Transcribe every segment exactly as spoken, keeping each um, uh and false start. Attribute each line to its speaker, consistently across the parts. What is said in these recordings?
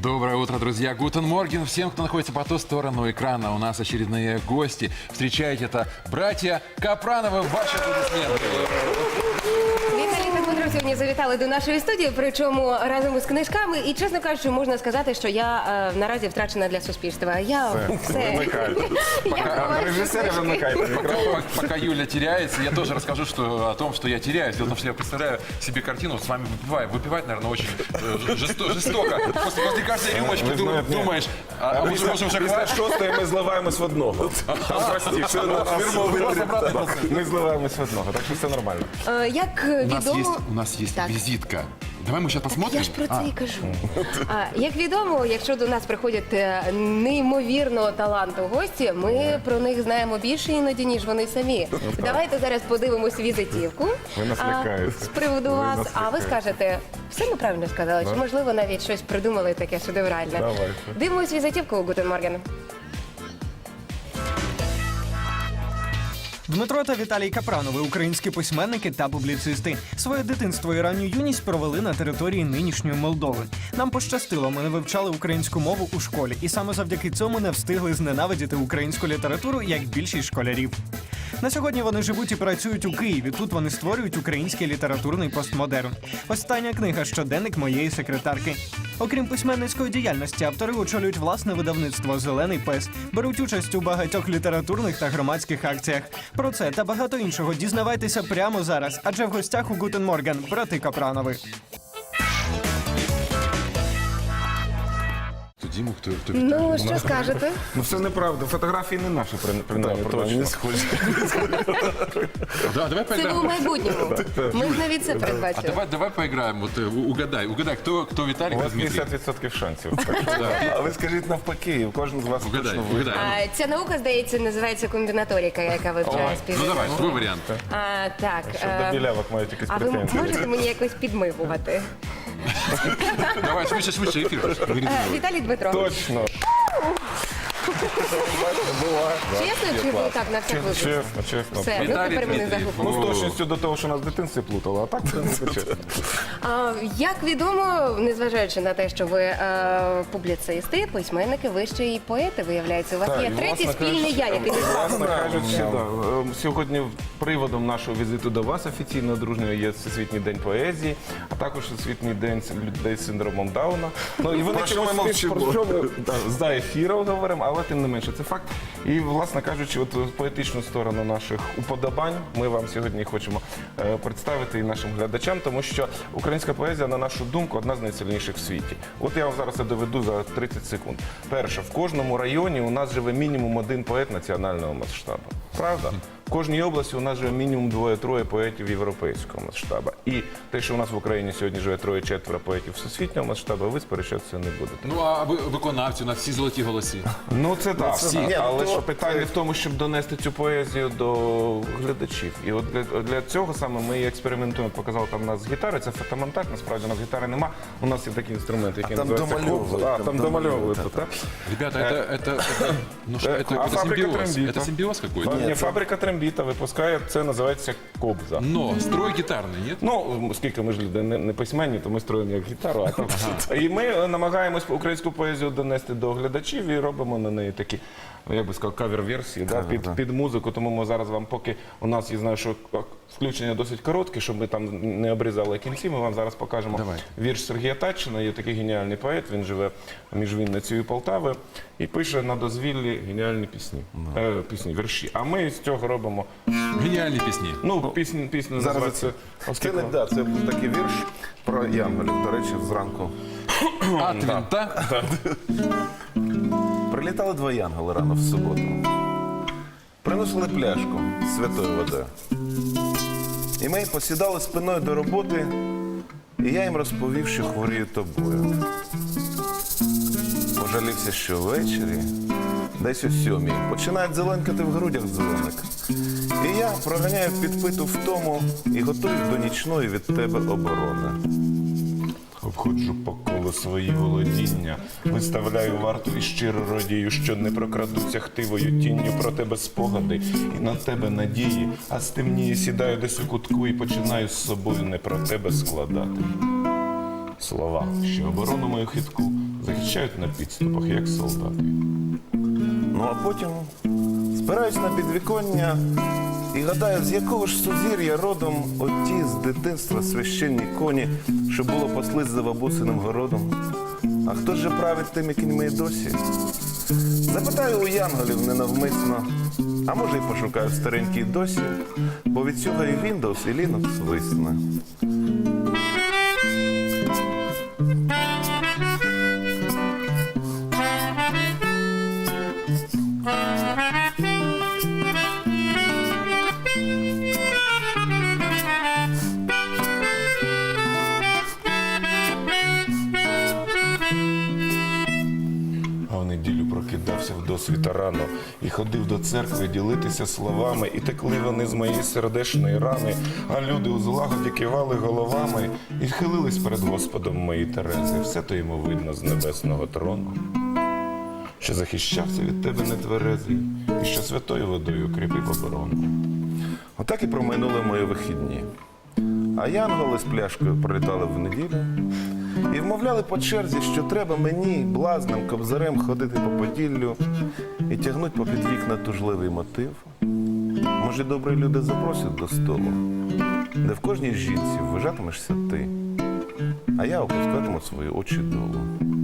Speaker 1: Доброе утро, друзья. Гутен Морген всем, кто находится по ту сторону экрана. У нас очередные гости. Встречайте, это братья Капрановы. Ваши аплодисменты.
Speaker 2: Віталій та Дмитро сьогодні завітали до нашої студії, причому разом із книжками. І, чесно кажучи, можна сказати, що я е, наразі втрачена для суспільства. Я все.
Speaker 1: Пока режиссер вымыкает микрофон. Пока Юля теряется, я тоже расскажу что, о том, что я теряюсь. Дело в том, что я представляю себе картину, с вами выпиваю. Выпивать, наверное, очень э, жесто- жестоко. После, после каждой рюмочки
Speaker 3: ви
Speaker 1: ты
Speaker 3: знаєте,
Speaker 1: думаешь, а, а мы же можем уже
Speaker 3: Після
Speaker 1: хватит.
Speaker 3: шостої ми зливаємось в одного. Там простіше. Ми зливаємось в одного, так що все нормально.
Speaker 2: Е, Як
Speaker 1: У нас есть,
Speaker 2: відомо,
Speaker 1: у нас есть
Speaker 2: Так.
Speaker 1: визитка. Давай мы сейчас посмотрим.
Speaker 2: я ж про це
Speaker 1: А,
Speaker 2: і кажу. А, як відомо, якщо до нас приходять е, неймовірного таланту гості, ми про них знаємо більше іноді, ніж вони самі. Давайте зараз подивимось візитівку
Speaker 3: Ви нас
Speaker 2: а,
Speaker 3: лякаєте.
Speaker 2: з приводу
Speaker 3: Ви
Speaker 2: вас.
Speaker 3: нас
Speaker 2: А ви
Speaker 3: лякаєте.
Speaker 2: скажете, все ми правильно сказали, чи можливо навіть щось придумали таке шедевральне.
Speaker 3: Давайте.
Speaker 2: Дивимось візитівку у Гутен Морген.
Speaker 4: Дмитро та Віталій Капранови – українські письменники та публіцисти. Своє дитинство і ранню юність провели на території нинішньої Молдови. Нам пощастило, ми не вивчали українську мову у школі. І саме завдяки цьому не встигли зненавидіти українську літературу, як більшість школярів. На сьогодні вони живуть і працюють у Києві. Тут вони створюють український літературний постмодерн. Остання книга «Щоденник моєї секретарки». Окрім письменницької діяльності, автори очолюють власне видавництво «Зелений пес», беруть участь у багатьох літературних та громадських акціях. Про це та багато іншого дізнавайтеся прямо зараз, адже в гостях у Гутен Морген брати Капранови.
Speaker 1: Дима, кто, кто
Speaker 2: Ну, що скажете?
Speaker 3: Ну все неправда, фотографії не наші, принаймні, точно.
Speaker 1: Да, давай
Speaker 2: Це
Speaker 1: поиграем.
Speaker 2: ви у майбутньому. Ми ж навіть це
Speaker 1: А
Speaker 2: передбачили.
Speaker 1: давай, давай поиграем. Вот э, у- угадай, угадай, кто, кто Виталий,
Speaker 3: У
Speaker 1: кто
Speaker 3: вас
Speaker 1: Дмитрий.
Speaker 3: п'ятдесят відсотків шансів. Так що, А ви скажіть навпаки, кожен з вас
Speaker 1: Угадай,
Speaker 3: точно
Speaker 1: угадай.
Speaker 2: А, ця наука, здається, називається комбінаторика, яка вивчає
Speaker 1: Ну
Speaker 2: співвідношення.
Speaker 1: давай, твой вариант.
Speaker 2: А, так.
Speaker 3: Щоб
Speaker 2: е,
Speaker 3: до білявок мають якісь
Speaker 2: А ви
Speaker 3: претензії.
Speaker 2: можете мені якось підмигувати?
Speaker 1: Давай, швидше, швидше, эфир.
Speaker 2: Е, Віталій Дмитро,
Speaker 3: Точно.
Speaker 2: чесно чи ви так на всяк випадок?
Speaker 3: Чесно, чесно.
Speaker 2: Все, ви
Speaker 1: Віталій
Speaker 2: тепер мене
Speaker 1: Дмитрів.
Speaker 2: загубили.
Speaker 3: Ну, з точністю до того, що нас в дитинстві плутало, а так, в принципі, чесно.
Speaker 2: А, Як відомо, незважаючи на те, що ви е, публіцисти, письменники, ви ще й поети, виявляється. У вас
Speaker 3: Так,
Speaker 2: є
Speaker 3: і,
Speaker 2: третій
Speaker 3: власне
Speaker 2: спільний я, який не
Speaker 3: Власне
Speaker 2: знав.
Speaker 3: кажучи, да. Е, сьогодні приводом нашого візиту до вас офіційно дружньою є Всесвітній день поезії, а також Всесвітній день людей з синдромом Дауна. Ну, і вони
Speaker 1: Про що ми
Speaker 3: чомусь
Speaker 1: мовчимо?
Speaker 3: про що ми, да, за ефіром говоримо, але тим не менше, це факт. І, власне кажучи, от поетичну сторону наших уподобань ми вам сьогодні хочемо е, представити і нашим глядачам, тому що українська поезія, на нашу думку, одна з найсильніших в світі. От я вам зараз це доведу за тридцять секунд. Перше, в кожному районі у нас живе мінімум один поет національного масштабу. Правда? В кожній області у нас живе мінімум двоє-троє поетів європейського масштабу. І те, що у нас в Україні сьогодні живе троє-четверо поетів всесвітнього масштабу, ви сперечатися не будете.
Speaker 1: Ну, а ви- виконавці, у нас всі золоті голоси.
Speaker 3: Ну це так,
Speaker 1: всі.
Speaker 3: так.
Speaker 1: Ні,
Speaker 3: але
Speaker 1: ну,
Speaker 3: ж
Speaker 1: то-
Speaker 3: питання в тому, щоб донести цю поезію до глядачів. І от для, для цього саме ми і експериментуємо. Показав там у нас гітари, це фотомонтаж, насправді у нас гітари нема. У нас є такий інструмент, який
Speaker 5: там
Speaker 3: називається
Speaker 5: домальовують,
Speaker 3: кобза. А,
Speaker 5: там
Speaker 3: там домальовують. так.
Speaker 1: Ребята, это, это, это, ну, что,
Speaker 3: Э,
Speaker 1: это,
Speaker 3: а
Speaker 1: это
Speaker 3: фабрика
Speaker 1: симбиоз.
Speaker 3: трембита?
Speaker 1: Это симбиоз какой-то.
Speaker 3: Ні, фабрика трембіта випускає, це називається кобза.
Speaker 1: Но строй гитарный, нет?
Speaker 3: Ну, оскільки ми ж люди не, не письменні, то ми строїмо як гітару. А там... І ми е, намагаємось українську поезію донести до глядачів і робимо на неї такі, ну, як би сказав, кавер-версії да, під, під музику. Тому ми зараз вам, поки у нас, я знаю, що включення досить коротке, щоб ми там не обрізали кінці, ми вам зараз покажемо
Speaker 1: Давай.
Speaker 3: вірш Сергія Татчина. Є такий геніальний поет, він живе між Вінницею і Полтавою і пише на дозвіллі геніальні пісні, е, пісні, вірші. А ми з цього робимо,
Speaker 1: Гениальные песни.
Speaker 3: ну, пісня, пісня
Speaker 5: Зараз
Speaker 3: називається...
Speaker 5: Це
Speaker 3: оскільки-
Speaker 5: не да, це був такий вірш про янголів. До речі, зранку
Speaker 1: От винта.
Speaker 5: прилітали два янголи рано в суботу. Приносили пляшку з святою водою. І ми посідали спиною до роботи, і я їм розповів, що хворію тобою. Пожалівся, що ввечері, десь о сьомій, починають зеленкати в грудях дзвоник. І я проганяю підпиту втому і готуюсь до нічної від тебе оборони.
Speaker 3: Обходжу по колу свої володіння, виставляю варту і щиро радію, що не прокрадуться хтивою тінню про тебе спогади і на тебе надії, а стемніє, сідаю десь у кутку і починаю з собою не про тебе складати. слова, що оборону мою хитку захищають на підступах, як солдати.
Speaker 5: Ну а потім спираюсь на підвіконня і гадаю, з якого ж сузір'я родом оті з дитинства священні коні, що було паслись за бабусиним городом. А хто ж же править тими кіньми й досі? Запитаю у янголів ненавмисно, а може й пошукаю в старенькій досі, бо від цього і Windows, і Linux висне.
Speaker 3: А в неділю прокидався в досвіта рано і ходив до церкви ділитися словами, і текли вони з моєї сердечної рани, а люди у злагоді кивали головами і хилились перед Господом мої Терези. Все то йому видно з небесного трону, що захищався від тебе нетверезий, і що святою водою кріпив оборону.
Speaker 5: Отак і проминули мої вихідні. А янголи з пляшкою прилітали в неділю і вмовляли по черзі, що треба мені, блазним кобзарем, ходити по Поділлю і тягнуть попід вікна тужливий мотив. Може, добрі люди запросять до столу, де в кожній жінці вважатимешся ти, а я опускатиму свої очі долу.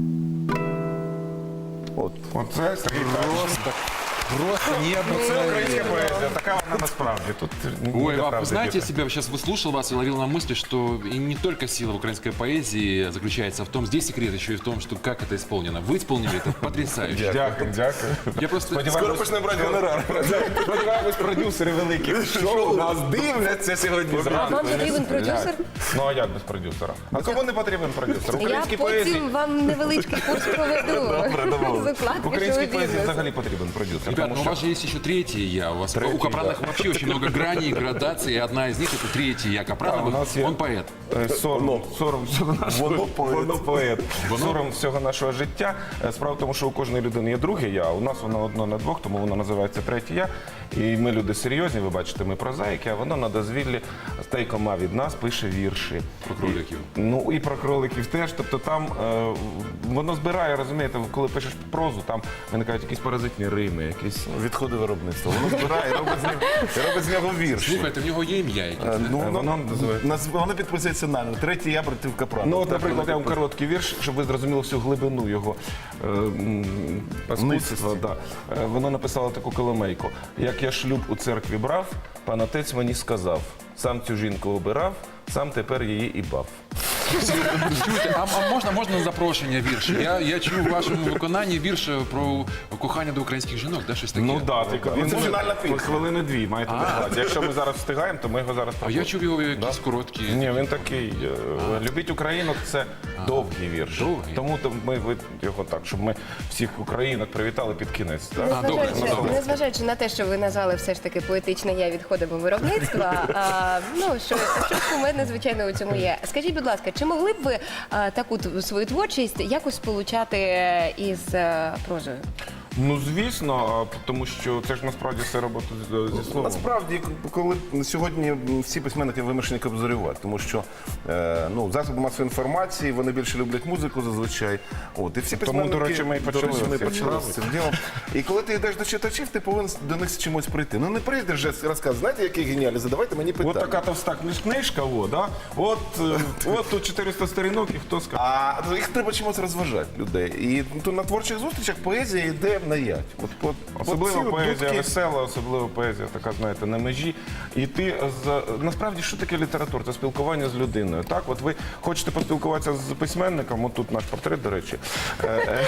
Speaker 5: От.
Speaker 3: Оце Сергій
Speaker 1: Просто, просто
Speaker 3: Це
Speaker 1: необыкновенно.
Speaker 3: українська поезія, така вона насправді. Тут
Speaker 1: Ой,
Speaker 3: ніде
Speaker 1: Иван, вы
Speaker 3: правди
Speaker 1: знаете, я
Speaker 3: діти.
Speaker 1: себя сейчас выслушал вас и ловил на мысли, что и не только сила в украинской поэзии заключается в том, здесь секрет еще и в том, что как это исполнено. Вы исполнили это потрясающе.
Speaker 3: Дякую, дякую.
Speaker 1: Я просто...
Speaker 5: Скоро почнемо брати гонорар.
Speaker 3: Сподіваємось, продюсери великі шоу нас дивляться сьогодні
Speaker 2: А
Speaker 3: зранку.
Speaker 2: вам потрібен продюсер?
Speaker 3: Ну а як без продюсера? А кому не потрібен продюсер? В
Speaker 2: Я
Speaker 3: українській поезії,
Speaker 2: потім вам невеличкий курс проведу. З укладки
Speaker 3: в українській поезії
Speaker 2: шоу-бізнесу.
Speaker 3: взагалі потрібен продюсер.
Speaker 1: Ребят,
Speaker 3: тому
Speaker 1: ну у
Speaker 3: що
Speaker 1: вас же есть еще третье я. У вас
Speaker 3: Третий,
Speaker 1: у Капраных
Speaker 3: да.
Speaker 1: вообще очень много граней, градаций, и одна из них это третий я.
Speaker 3: Да, у
Speaker 1: Капранов,
Speaker 3: нас є-
Speaker 1: он поэт.
Speaker 3: Е, Сором, сором всього нашого
Speaker 5: Воно поет.
Speaker 3: воно поет.
Speaker 1: Воно?
Speaker 3: Сором всього нашого життя. Е, Справа в тому, що у кожної людини є друге я, а у нас воно одно на двох, тому воно називається третє я. І ми люди серйозні, ви бачите, ми прозаїки, а воно на дозвіллі стейкома від нас пише вірші.
Speaker 1: Про кроликів.
Speaker 3: Ну і про кроликів теж. Тобто там е, воно збирає, розумієте, коли пишеш прозу, там виникають якісь паразитні рими, якісь.
Speaker 5: Відходи виробництва. Воно збирає і робить з нього, і робить з нього вірші.
Speaker 1: Слухайте, у нього є ім'я якесь,
Speaker 5: Е,
Speaker 1: да?
Speaker 5: Ну,
Speaker 3: Е,
Speaker 5: воно,
Speaker 3: воно називається-
Speaker 5: нас- воно підписується нами. Третій я проти Капрана.
Speaker 3: Ну, от,
Speaker 5: Так,
Speaker 3: наприклад, я
Speaker 5: воно
Speaker 3: вам короткий вірш, щоб ви зрозуміли всю глибину його е, м, паскудства. Да. Е, Воно написало таку коломейку. Як я шлюб у церкві брав, пан отець мені сказав, сам цю жінку обирав, сам тепер її і бав.
Speaker 1: Чуєте, а, а можна, можна на запрошення вірш? Я, я чую в вашому виконанні вірш про кохання до українських жінок, да, щось таке?
Speaker 3: Ну так, тільки він
Speaker 5: Це
Speaker 3: буде
Speaker 5: фінальна пісня.
Speaker 3: хвилини дві, маєте догадати. Якщо ми зараз встигаємо, то ми його зараз
Speaker 1: А я чув його якісь короткі.
Speaker 3: Ні, він такий. е, Любіть Україну це довгий вірш.
Speaker 1: довгий.
Speaker 3: Тому то ми ви- його так, щоб ми всіх українок привітали під кінець. так?
Speaker 1: А, добре,
Speaker 2: Незважаючи,
Speaker 1: ну, добре.
Speaker 2: незважаючи на те, що ви назвали все ж таки поетичне я відходами виробництва, а, ну що щось кумедне, звичайно, у цьому є. Скажіть, будь ласка, чи могли б ви а, таку т- свою творчість якось сполучати із а, прозою?
Speaker 3: Ну звісно, а, тому що це ж насправді все робота з- зі словом.
Speaker 5: Насправді, коли сьогодні всі письменники вимушені кобзарювати, тому що е, ну, засоби масової інформації, вони більше люблять музику зазвичай. От, і всі
Speaker 3: Тому,
Speaker 5: письменники,
Speaker 3: до речі, ми і
Speaker 5: до
Speaker 3: почали
Speaker 5: речі, ми
Speaker 3: з цим
Speaker 5: почали з цим ділом. І коли ти йдеш до читачів, ти повинен до них з чимось прийти. Ну не прийдеш вже розказувати, знаєте, який геніальний, задавайте мені питання.
Speaker 3: От така товста книж- книжка, о, да? от, е, от тут чотириста сторінок, і хто скаже.
Speaker 5: А їх треба чимось розважати людей. І то на творчих зустрічах поезія йде на ять. От, от,
Speaker 3: Особливо
Speaker 5: от ці от
Speaker 3: поезія
Speaker 5: дудки-
Speaker 3: весела, особливо поезія така, знаєте, на межі. І ти з насправді що таке література? Це спілкування з людиною. Так, от ви хочете поспілкуватися з письменником, от тут наш портрет, до речі, е, е,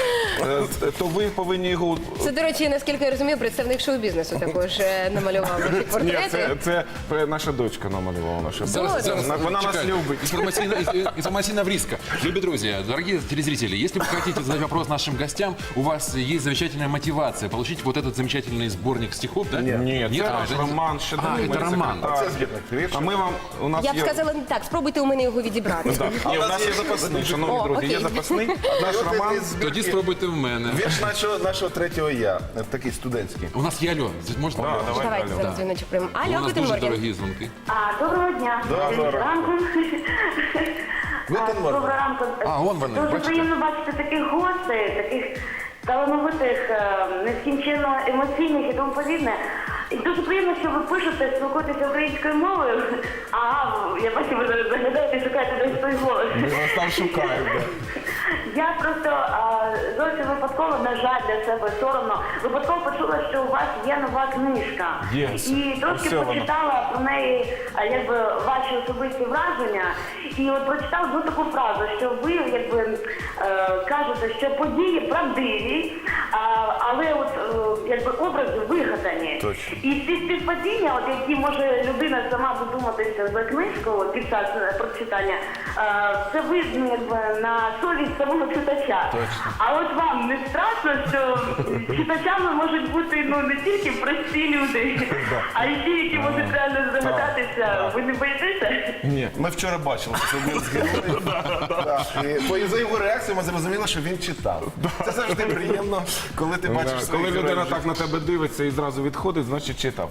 Speaker 3: е, то ви повинні його.
Speaker 2: Це, до речі, наскільки я розумію, представник шоу-бізнесу також е, намалював ваші
Speaker 3: Ні,
Speaker 2: портрети.
Speaker 3: це, це наша дочка намалювала наша.
Speaker 1: Зараз, зараз,
Speaker 3: Вона, вона нас
Speaker 1: чекайте.
Speaker 3: любить.
Speaker 1: Информативно, информативно вриска. Любые друзья, дорогие телезрители, если вы хотите задать вопрос нашим гостям, у вас есть замечательная мотивация получить вот этот замечательный сборник стихов, да?
Speaker 3: Ні, це
Speaker 1: а,
Speaker 3: наш
Speaker 1: це-
Speaker 3: роман ще
Speaker 1: А, це роман.
Speaker 5: Це збірник віршів.
Speaker 3: А ми вам, у нас
Speaker 2: Я б
Speaker 3: є...
Speaker 2: сказала не так, спробуйте у мене його відібрати.
Speaker 3: Ні, у нас є запасний, шановні
Speaker 2: О,
Speaker 3: друзі, є
Speaker 2: окей.
Speaker 3: запасний. Наш
Speaker 5: От
Speaker 3: роман.
Speaker 5: із збірки-
Speaker 1: Тоді спробуйте в мене.
Speaker 5: Вірш нашого, нашого третього я, такий студентський.
Speaker 1: У нас є Альон. Здесь можна?
Speaker 3: Да, давай.
Speaker 2: Давайте
Speaker 3: Галя,
Speaker 2: зараз дзвіночок прямо.
Speaker 1: У
Speaker 2: Алло,
Speaker 1: нас
Speaker 2: Гутен
Speaker 1: дуже
Speaker 2: Морген.
Speaker 1: дорогі дзвонки.
Speaker 6: А, доброго дня.
Speaker 5: Доброго
Speaker 6: Доброго ранку.
Speaker 5: Гутенморген.
Speaker 6: Доброго ранку.
Speaker 1: А, он вони,
Speaker 6: Дуже
Speaker 1: бачите?
Speaker 6: приємно бачити таких гостей, таких талановитих, е, нескінченно емоційних і тому подібне. І дуже приємно, що ви пишете, спілкуєтеся українською мовою. А я бачу, ви зараз заглядаєте і шукаєте десь той голос.
Speaker 3: Ми вас там шукаємо. да.
Speaker 6: Я просто а, зовсім випадково, на жаль, для себе соромно, випадково почула, що у вас є нова книжка.
Speaker 3: Є.
Speaker 6: І трошки
Speaker 3: Ось вона.
Speaker 6: почитала про неї, а, якби, ваші особисті враження. І от прочитала одну таку фразу, що ви якби е, кажете, що події правдиві, а, але от е, якби образи вигадані.
Speaker 5: Точно.
Speaker 6: І ці співпадіння, от які може людина сама додуматися за книжку от, під час е, прочитання, е, це видно якби на совість самого читача. А от вам не страшно, що читачами можуть бути ну не тільки прості люди, а й ті, які можуть реально здогадатися. Ви не боїтеся?
Speaker 3: Ні.
Speaker 5: Ми вчора бачили, що це один з героїв. Так, і по за його реакцію ми зрозуміли, що він читав. Це завжди приємно, коли ти бачиш
Speaker 3: Да,
Speaker 5: своїх
Speaker 3: Коли людина
Speaker 5: героїв.
Speaker 3: так на тебе дивиться і зразу відходить, значить читав.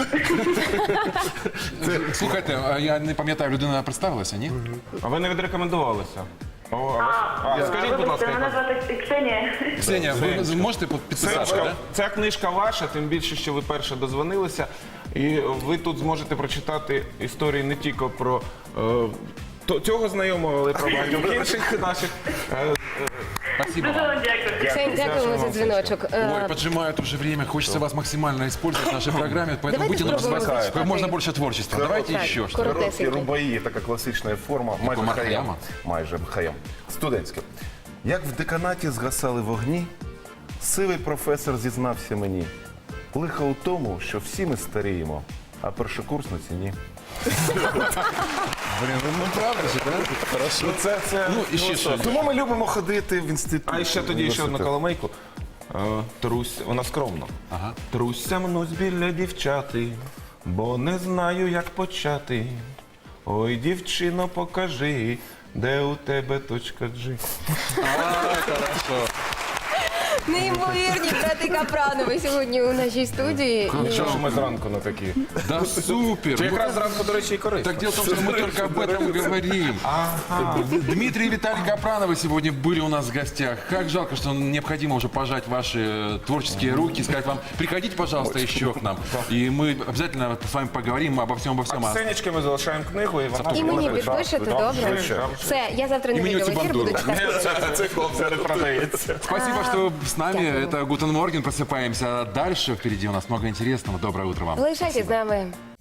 Speaker 1: Слухайте, а я не пам'ятаю, людина представилася, ні?
Speaker 3: А ви не відрекомендувалися? О, а, ви- а, скажіть, будь ласка,
Speaker 6: Вибачте, мене
Speaker 3: яка-
Speaker 6: звати Ксенія.
Speaker 1: Ксенія, ви
Speaker 3: Женечка.
Speaker 1: можете
Speaker 3: Це
Speaker 1: підписати,
Speaker 3: книжка,
Speaker 1: да?
Speaker 3: ця книжка ваша, тим більше, що ви перше дозвонилися. І ви тут зможете прочитати історії не тільки про е, то- цього знайомого, але й про багатьох інших наших. е,
Speaker 1: Спасибо
Speaker 6: Дуже
Speaker 1: вам.
Speaker 6: вам дякую.
Speaker 2: Ксень, дякуємо за дзвіночок. Е,
Speaker 1: Ой, поджимает уже время, хочется вас максимально использовать в нашей программе, поэтому
Speaker 2: Давайте
Speaker 1: будьте нам
Speaker 2: спробуємо
Speaker 1: звать
Speaker 2: зачитати.
Speaker 1: как можно больше творчества. Давайте
Speaker 2: Так,
Speaker 1: еще что-то.
Speaker 2: коротко.
Speaker 5: Короткі рубаї, така класична форма, майже
Speaker 1: Марк
Speaker 5: хаям.
Speaker 1: Хаяма?
Speaker 5: Майже хаям. Студентське. Як в деканаті згасали вогні, сивий професор зізнався мені. Лихо у тому, що всі ми старіємо, а першокурсниці ні.
Speaker 1: Блин, ну правда же, да? Хорошо.
Speaker 3: Це, це,
Speaker 1: Ну, і ще
Speaker 3: ну,
Speaker 1: що?
Speaker 5: Тому ми любимо ходити в інститут.
Speaker 3: А ще тоді ще одну коломейку. Е, Трусь, вона скромна.
Speaker 1: Ага.
Speaker 3: Труся мнусь біля дівчати, бо не знаю, як почати. Ой, дівчино, покажи, де у тебе точка G.
Speaker 1: Хорошо.
Speaker 2: Неймовірні брати Капранови сьогодні у нашій студії. І-
Speaker 3: Що ж ми зранку на такі?
Speaker 1: Да супер.
Speaker 3: Це
Speaker 1: Ну,
Speaker 3: якраз зранку, до речі, і корисно.
Speaker 1: Так дело в том, что мы только об этом говорим. Дмитрий и Виталий Капрановы сегодня были у нас в гостях. Как жалко, что необходимо уже пожать ваши э, творческие руки, сказать вам, приходите, пожалуйста, еще к нам. И мы обязательно с вами поговорим обо всем, обо всем.
Speaker 3: А Ксенечки ми залишаємо книгу, і вона...
Speaker 2: І мені підпишете, добре?
Speaker 3: Звичайно.
Speaker 2: Все, я завтра не
Speaker 1: Імені
Speaker 2: вийду в ефір, буду
Speaker 1: Бандури.
Speaker 2: читати.
Speaker 3: Це хлопця не продається.
Speaker 1: Спасибо, что с нами. Это Гутен Морген. Просыпаемся дальше. Впереди у нас много интересного. Доброе утро вам.
Speaker 2: Залишайтесь з нами.